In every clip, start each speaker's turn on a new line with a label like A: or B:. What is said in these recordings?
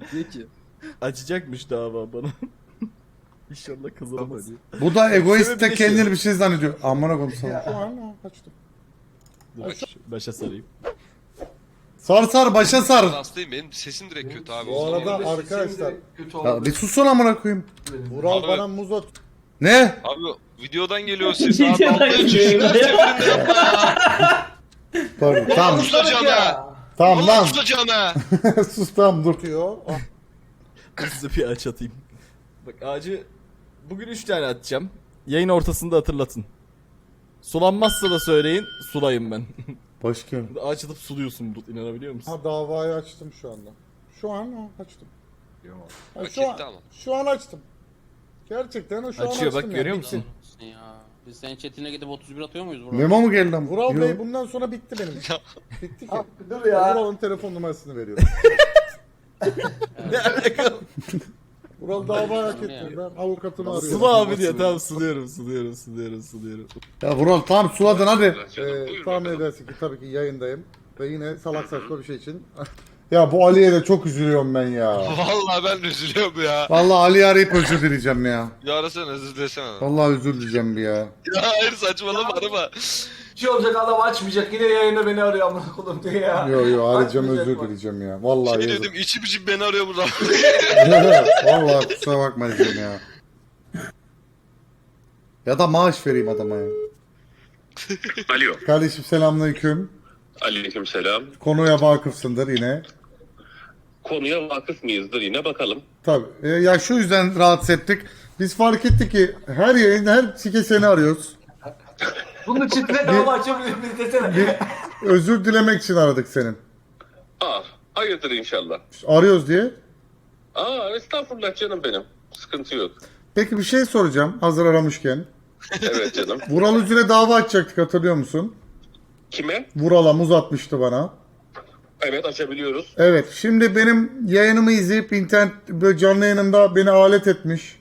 A: Diyor ki açacakmış dava bana. İnşallah kazanamaz.
B: Bu da egoist
A: Sebebi
B: de
A: de
B: kendini
A: şu.
B: bir şey zannediyor. Amına koyayım sana. Aa, kaçtım.
A: Dur, başa sarayım.
B: Sar sar başa sar.
C: Hastayım, benim sesim direkt kötü abi.
D: Bu arada arkadaşlar
B: Ya bir susun amına koyayım.
D: Vural
C: Abi-
D: bana muz at.
B: Ne?
C: Abi videodan geliyor ses abi. Altına düşüyor.
B: Pardon. Tamam.
C: Tutacağına.
B: Tamam lan.
C: Tutacağına.
B: Sus tamam dur.
D: Diyor.
A: Ben size bir ağaç atayım. Bak ağacı bugün 3 tane atacağım. Yayın ortasında hatırlatın. Sulanmazsa da söyleyin, sulayım ben.
B: Başka.
A: Ağaç atıp suluyorsun Bulut, inanabiliyor musun?
D: Ha davayı açtım şu anda. Şu an açtım. Ha,
C: Hak
D: şu an,
C: etti ama.
D: şu an açtım. Gerçekten o şu an
A: Açıyor
D: açtım
A: bak,
D: yani.
A: görüyor
D: Bitti.
A: musun?
E: Ya biz senin chatine gidip 31 atıyor muyuz burada?
B: Memo mu geldi lan?
D: Vural
B: Yo.
D: Bey bundan sonra bitti benim. Bitti ki.
F: Dur ya.
D: Vural'ın telefon numarasını veriyorum.
A: Ne alaka?
D: Vural davayı hak etti.
E: Yani.
D: Ben avukatımı arıyorum.
A: Sula abi diyor, tamam suluyorum.
B: Ya Vural tamam suladın hadi.
D: Tahmin edersin ki tabii ki yayındayım. Ve yine salak saçma bir şey için.
B: Ya bu Ali'ye de çok üzülüyorum ben ya.
C: Vallahi ben üzülüyorum ya.
B: Vallahi Ali'yi arayıp özür dileyeceğim ya.
C: Ya arasana, özür dilesene.
B: Vallahi özür dileyeceğim bir ya.
C: Ya hayır, saçmalama, arama.
F: Bir şey olacak, adam açmayacak. Yine yayında beni arıyor amına koyayım diye ya.
B: Yo arayacağım
F: Açmayacak
B: özür
F: bak.
B: dileyeceğim ya. Vallahi
C: Şey
B: yazık.
C: dedim, içim içim beni arıyor burada.
B: Vallahi kusura bakma diyeceğim ya. Ya da maaş vereyim adama ya.
G: Alo.
B: Kardeşim selamünaleyküm.
G: Aleykümselam.
B: Konuya vakıfsındır yine.
G: Konuya vakıf mıyızdır yine bakalım.
B: Tabii. Ya şu yüzden rahatsız ettik. Biz fark ettik ki her yayında her sike seni arıyoruz.
F: Bunun çiftine dava açabilir miyiz desene.
B: Özür dilemek için aradık senin.
G: Hayırdır inşallah.
B: Arıyoruz diye.
G: Estağfurullah canım benim. Sıkıntı yok.
B: Peki bir şey soracağım hazır aramışken.
G: Evet canım.
B: Vural Üzül'e dava açacaktık hatırlıyor musun?
G: Kime?
B: Vural'a muz atmıştı bana.
G: Evet, açabiliyoruz.
B: Evet şimdi benim yayınımı izleyip internet böyle canlı yayınımda beni alet etmiş.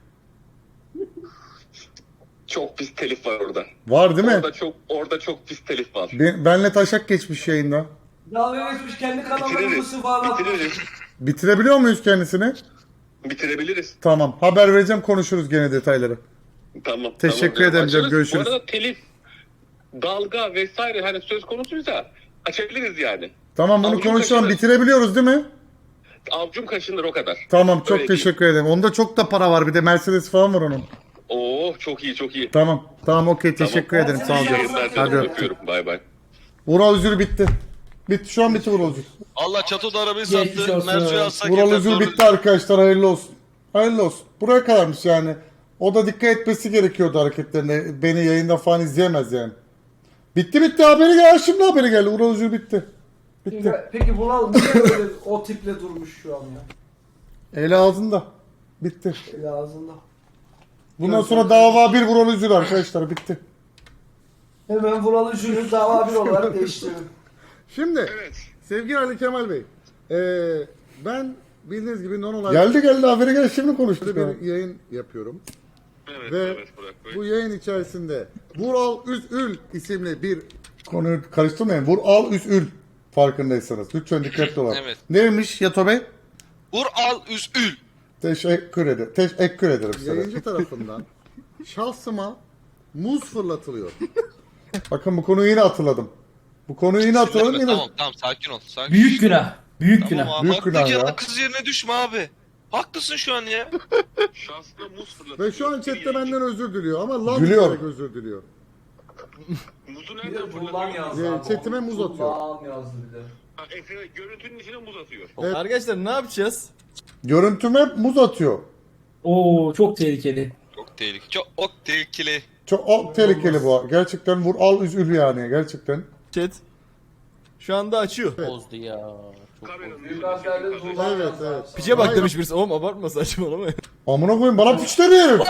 G: Çok pis telif var orada.
B: Var değil mi?
G: Orada çok pis telif var.
B: Benle taşak geçmiş yayında.
F: Dalga geçmiş, kendi kanallarını
G: Bitiririz.
F: sıfırlatmış.
G: Bitiririz.
B: Bitirebiliyor muyuz kendisini?
G: Bitirebiliriz.
B: Tamam haber vereceğim konuşuruz gene detayları.
G: Tamam.
B: Teşekkür
G: tamam.
B: ederim canım,
G: Açarız.
B: görüşürüz.
G: Bu arada telif, dalga vesaire hani söz konusuysa açabiliriz yani.
B: Tamam bunu
G: Avcum
B: konuşalım
G: kaçırır.
B: bitirebiliyoruz değil mi?
G: Avcum kaşınır o kadar.
B: Tamam çok
G: Öyle
B: teşekkür ederim. Onda çok da para var bir de Mercedes falan var onun.
G: Çok iyi çok iyi.
B: Tamam okey teşekkür ederim sağ ol.
G: İyi yayınlar
B: Hadi
G: canım,
B: öptüm.
G: öpüyorum. Bay bay.
B: Vural Üzül bitti. Bitti şu an bitti Vural Üzül.
C: Allah çatoda arabayı
F: Geçmiş
C: sattı.
F: olsun.
C: Mersu'yu atsak
B: Vural
C: yeter,
B: Üzül
C: doğru.
B: bitti arkadaşlar hayırlı olsun. Hayırlı olsun. Buraya kadarmış yani. O da dikkat etmesi gerekiyordu hareketlerine. Beni yayında falan izleyemez yani. Bitti haberi geldi. Şimdi haberi geldi. Vural Üzül bitti. Bitti.
F: Peki Vural niye böyle o tiple durmuş şu an ya?
B: Eli ağzında. Bitti.
F: Eli ağzında.
B: Bundan sonra dava bir Vural Üzül arkadaşlar bitti.
F: Hemen Vural'ı jüri dava bir olarak değiştirelim.
D: Şimdi
G: Evet.
D: sevgili Ali Kemal Bey. Ben bildiğiniz gibi non olarak
B: Geldi haberi geldi şimdi konuştuk. ya.
D: bir yayın yapıyorum.
G: Evet,
D: Ve
G: evet Burak Bey.
D: bu yayın içerisinde Vural Üzül isimli bir
B: Konuyu karıştırmayın. Vural Üzül farkındaysanız. Lütfen dikkatli olun.
C: Evet.
B: Neymiş Yato Bey?
C: Vur al üzül.
B: Teşekkür ederim. Teşekkür ederim sana.
D: yayıncı tarafından şahsıma muz fırlatılıyor.
B: Bakın bu konuyu yine hatırladım. Bu konuyu yine hatırladım yine.
C: Tamam sakin ol. Sakin.
H: Büyük günah. Büyük
C: Tamam
H: günah.
C: abi,
B: Büyük
C: haklı
B: günah
C: ya.
B: ya.
C: Kız yerine düşme abi. Haklısın şu an ya.
G: Şanslı muz fırlatıyor.
D: Ve şu an chatte benden özür diliyor ama lan
B: Gülüyor.
D: diyerek özür diliyor.
G: Muzu
F: Bir
G: nereden
F: de Bulban
G: fırlatıyor?
F: yazdı abi.
D: Chatime muz atıyor.
F: Bulban yazdı bir de.
G: Görüntünün içine muz atıyor.
D: Evet.
A: Arkadaşlar ne yapacağız?
B: Görüntüme muz atıyor.
H: Oo çok tehlikeli.
C: Çok tehlikeli. Çok tehlikeli.
B: Çok tehlikeli bu. Gerçekten Vural Üzül yani gerçekten.
A: Chat. Şu anda açıyor.
E: Bozdu ya. Çok
G: Kameranın
F: Büyük
G: yüzüne
F: harflerle
G: şey
F: Bulban
D: Evet,
F: yazdı.
D: evet.
F: abi.
A: Piçe bak
D: Hayır.
A: demiş birisi. Oğlum abartma, saçmalama.
B: Amına koyayım bana piç dedi herif.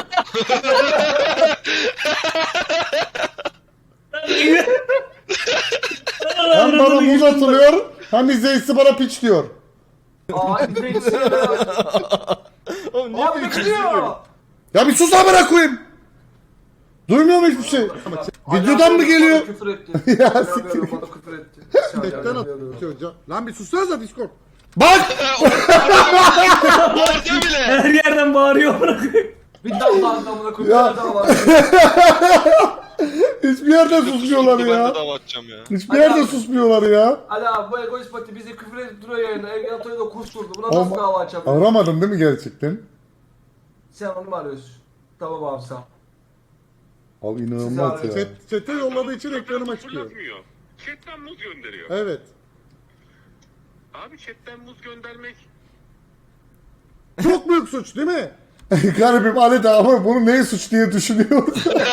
B: Hem bana muz atılıyor hem izleyicisi bana piç diyor.
F: Ay bekliyor.
A: Oğlum niye
F: Abi
A: böyle
F: bekliyor.
B: Ya bir sus amına koyayım. Duymuyor mu hiçbir şey? Videodan mı geliyor?
F: Küfür etti.
B: Ya
F: Ya
B: siktir.
F: bana küfür etti.
D: Chatten atıyor. Lan bir sussanıza Discord.
B: Bak!
C: Orada bile.
H: Her yerden bağırıyor bırakıyor.
F: Bir damla anlamına koyuyor.
B: Ya.
F: Bir damla.
B: Hiçbir yerde susmuyorlar
C: Ben
B: ya.
C: de dava açacağım ya.
B: Hiçbir yerde susmuyorlar ya.
F: Ali abi bu egoist pati bizi küfür edip duruyor yayında. Evliya da kusturdu. Buna nasıl
B: Ama-
F: dava açalım?
B: Aramadın değil mi gerçekten?
F: Sen onu mu arıyorsun? Tamam abi sağ ol.
B: Abi inanılmaz
F: Sizi
B: ya.
D: Chat'e yolladığı için ekranıma çıkıyor.
G: Fırlatmıyor. Chatten muz gönderiyor.
D: Evet.
G: Abi chatten muz göndermek
D: Çok büyük suç değil mi?
B: Garibim Ali de ama bunu neye suç diye düşünüyor.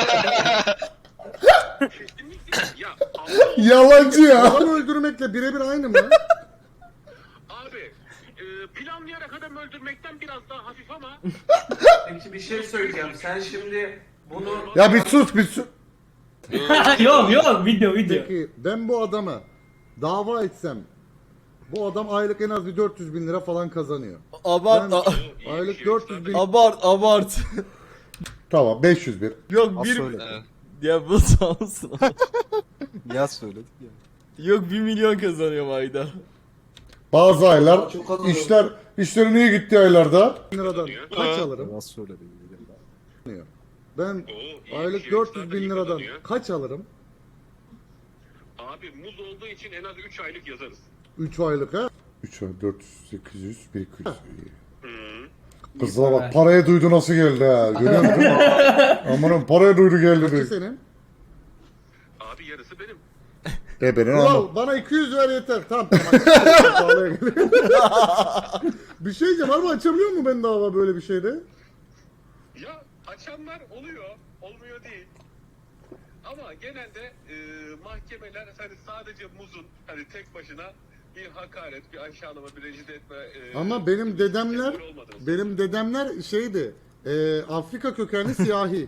G: kesinlikle ya Allah
B: Yalancı ya.
D: Adam öldürmekle birebir aynı mı?
G: abi planlayarak adam öldürmekten biraz daha hafif ama
F: Peki bir şey söyleyeceğim. Sen şimdi bunu...
B: Ya bir sus bir sus.
H: Yok yok video.
D: Peki ben bu adama dava etsem bu adam aylık en az bir 400 bin lira falan kazanıyor.
A: Abart.
D: Ben aylık 400 bin
A: Abart.
B: Tamam 501.
A: Yok bir... Ya bu sağ olsun.
I: Ya söyledik ya.
A: Yok 1 milyon kazanıyorum ayda.
B: Bazı aylar
F: Çok kazanıyorum.
B: işlerin iyi gittiği aylarda
D: liradan kaç alırım?
I: Ya söyledik.
D: Ben
G: iyi
D: aylık
G: kişi,
D: 400
G: zaten
D: bin
G: iyi
D: liradan
G: kazanıyor.
D: kaç alırım?
G: abi muz olduğu için en az 3 aylık yazarız.
D: 3 aylık ha?
B: 3 ay 400 800 1200. Kızına bak paraya duydu nasıl geldi ha. Görüyor musun? Amanın paraya duydu geldi.
D: Kaçı
B: diyor.
D: senin?
G: Abi yarısı benim.
B: Benim ama.
D: Ulan bana 200 ver yeter. Tamam. Pahalıya geliyor. Bir şey diyeceğim ama açabiliyor mu ben dava böyle bir şeyde?
G: Ya açanlar oluyor, olmuyor değil. Ama genelde mahkemeler hani sadece muzun hani tek başına bir hakaret, bir aşağılama, bir rencide etme...
D: Ama benim dedemler
G: sebep olmadığını
D: benim dedemler şeydi. Afrika kökenli siyahi.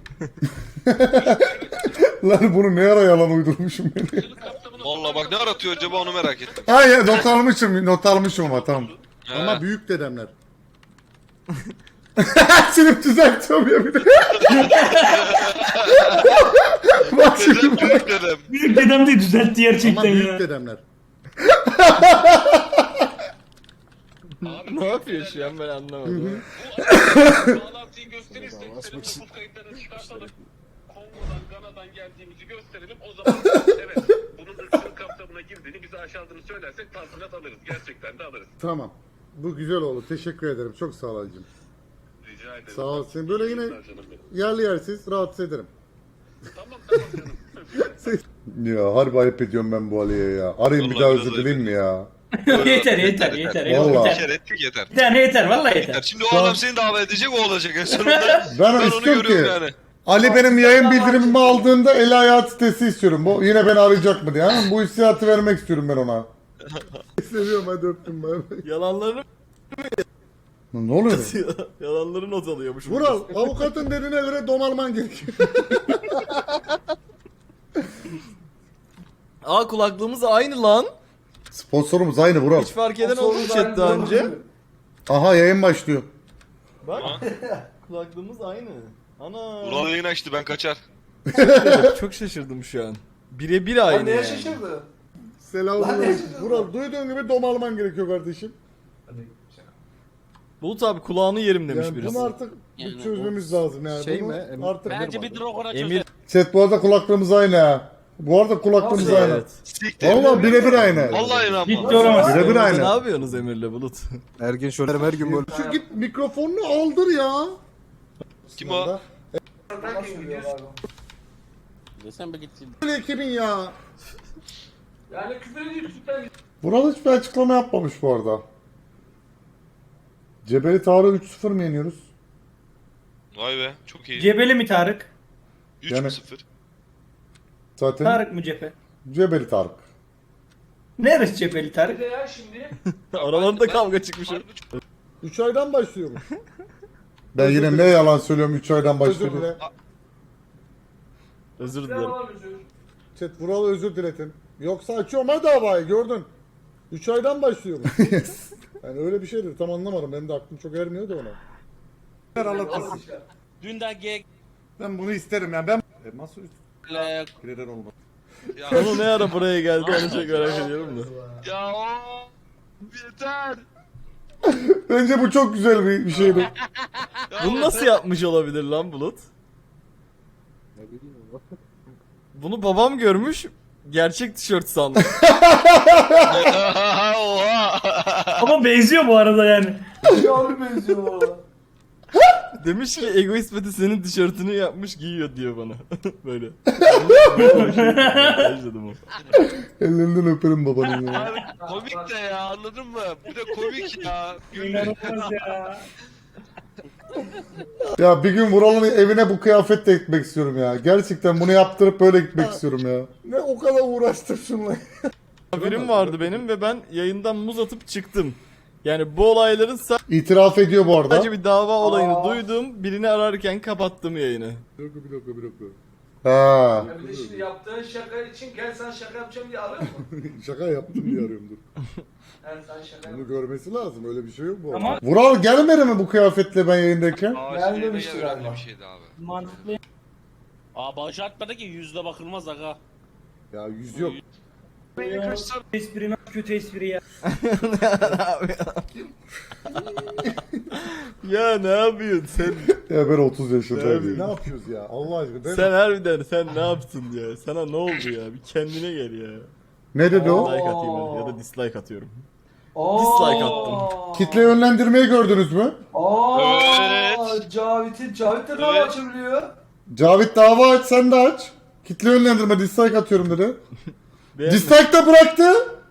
B: Lan bunu ne ara yalan uydurmuşum ben.
G: söylüyorum. Kapsamını
C: Valla bak ne aratıyor acaba onu merak ettim.
B: Hayır not almışım ama tamam.
D: Ama büyük dedemler.
B: Silip düzeltiyorum ya bir de. Bak şimdi
C: Dedem
B: bak.
C: büyük dedem.
H: Büyük dedem de düzeltti
D: Ama
H: gerçekten
D: büyük
H: ya.
D: dedemler.
G: Abi,
A: Ne yapıyor şu an ben anlamadım.
G: bu bağlantıyı gösterirsek senin nüfus kayıtlarını çıkartalım. Kongo'dan, Gana'dan geldiğimizi gösterelim. O zaman evet bunun ırkçılık kapsamına girdiğini, bizi aşağıdığını söylersek tazminat alırız. Gerçekten de alırız.
D: Tamam. Bu güzel oldu. Teşekkür ederim. Çok sağ ol Ali'cim.
G: Rica ederim.
D: Sağ ol. Seni böyle yine
G: Canım benim.
D: yerli yersiz rahatsız ederim.
G: Tamam canım.
B: Ya harbi ayıp ediyorum ben bu Ali'ye ya. Arayayım bir
C: Vallahi
B: daha
C: biraz
B: özür dileyim mi ya?
H: yeter.
B: Vallahi.
C: Bir kere ettik yeter.
H: Bir tane yeter vallahi yeter.
C: Şimdi o adam seni davet edecek o olacak en sonunda.
B: Ben
C: Ben onu
B: istiyorum ki
C: görüyorum yani.
B: Ali benim yayın bildirimimi aldığında el hayat sitesi istiyorum. Bu yine beni arayacak mı diye. Ha? Bu hissiyatı vermek istiyorum ben ona.
D: Seviyorum hadi öptüm bay bay.
A: Yalanlarını
B: Ne oluyor?
A: yalanları not alıyormuş.
D: Vural avukatın dediğine göre domalman gerekiyor.
A: Aa kulaklığımız aynı lan.
B: Sponsorumuz aynı Vural.
A: Hiç fark eden oldu mu chat daha önce?
B: Aha yayın başlıyor.
A: Bak. Kulaklığımız aynı. Ana.
C: Ulan yayın açtı ben kaçar.
A: Çok şaşırdım şu an. Birebir aynı
F: Lan neye
A: yani.
F: şaşırdı? Lan
D: Selamünaleyküm.
F: ne şaşırdın?
D: Vural duyduğun gibi domalman gerekiyor kardeşim.
A: Bulut abi kulağını yerim demiş
D: Yani
A: birisi.
D: bunu artık bir
E: Yani
D: çözmemiz lazım yani.
I: şey
D: Bunu
I: mi? Emir-
D: artık
E: Bence bir Dragon'a
A: Emir
E: çözer.
B: Chat bu arada kulaklığımız aynı ha. Bu arada kulaklığımız
F: Nasıl
B: aynı.
A: Evet.
C: Siktir.
B: Valla birebir aynı.
C: Vallahi inanmam.
H: Bitti olamaz.
B: Birebir
A: Ne
B: aynı.
A: yapıyorsunuz Emir'le Bulut?
I: Ergin şöyle her gün böyle.
D: Şu git mikrofonunu aldır ya.
C: Kim o?
E: Desem be gitsin.
D: Böyle ekibin ya.
F: Yani küfür ediyor cidden.
B: Vural hiçbir açıklama yapmamış bu arada. Cebeli Tarık'ı 3-0 mı yeniyoruz?
C: Vay be çok iyi.
H: Cebeli mi Tarık?
C: 3-0.
B: Zaten
H: Tarık mı cephe?
B: Cebeli Tarık.
H: Neresi cepheli
F: Bir
H: Tarık?
F: de ya şimdi.
A: Aralarında kavga çıkmış.
D: 3 aydan başlıyormuş.
B: Ben yine ne yalan söylüyorum 3 aydan
D: Özür
B: başlıyorum.
D: dile.
A: Özür
F: Ne
A: dilerim.
F: var özür?
D: Chat Vural özür diletin. Yoksa açıyorum ha davayı gördün. 3 aydan başlıyormuş. Yani öyle bir şeydir tam anlamadım. Benim de aklım çok ermiyor da ona.
F: Nasıl işte?
E: Dünden G
B: Ben bunu isterim yani ben... Nasıl
E: ile
B: Kreder olmaz.
C: Ya,
A: Konu ne ara buraya geldi onu çok merak ediyorum da.
C: ya o yeter.
B: Bence bu çok güzel bir şeydi.
A: Bunu nasıl yapmış olabilir lan Bulut? Bunu babam görmüş, gerçek tişört sandı.
C: Oha.
H: Ama benziyor bu arada yani.
F: Abi benziyor bu arada.
A: Demiş ki Egoist Peti senin tişörtünü yapmış giyiyor diyor bana. Böyle. Başladım o.
B: Ellerinden öperim babanın ya.
C: Abi komik de ya, anladın mı? Bu da komik ya.
H: İnanılmaz ya.
B: Ya bir gün Vural'ın evine bu kıyafetle gitmek istiyorum ya. Gerçekten bunu yaptırıp böyle gitmek istiyorum ya.
D: Ne o kadar uğraştım şunla.
A: Haberim vardı benim ve ben yayından muz atıp çıktım. Yani bu olayların
B: İtiraf ediyor bu arada.
A: sadece bir dava olayını duydum. Birini ararken kapattım yayını.
D: Bir dakika.
B: Ha.
F: Ya bir de şimdi yaptığın şaka için gel sen şaka yapacağım diye arıyor mu?
D: Şaka yaptım diye arıyorum dur.
F: Yani sen şaka yap.
D: Bunu görmesi lazım. Öyle bir şey yok bu arada.
H: Ama
B: Vural gelmedi mi bu kıyafetle ben yayındayken?
C: Aa,
F: demişti
C: öyle
F: galiba.
C: bir şeydi abi.
H: mantıklı.
E: Aa bağış atmadı ki yüzde bakılmaz aga.
D: Ya yüz yok.
H: Espri ne kötü espri ya.
A: Ya ne yapıyorsun sen?
B: Ya ben 30 yaşındayım.
D: Ne yapıyoruz ya? Allah aşkına.
A: Sen harbiden sen ne yaptın ya? Sana ne oldu ya? Bir kendine gel ya.
B: Ne dedi o?
A: Like atayım hadi ya da dislike atıyorum.
F: Oo.
A: Dislike attım.
B: Kitle yönlendirmeyi gördünüz mü?
C: Evet.
F: Cavit de dava açabiliyor.
B: Cavit dava aç sen de aç. Kitle yönlendirme dislike atıyorum dedi.
A: Beğenmedim.
B: Dislike de bıraktı.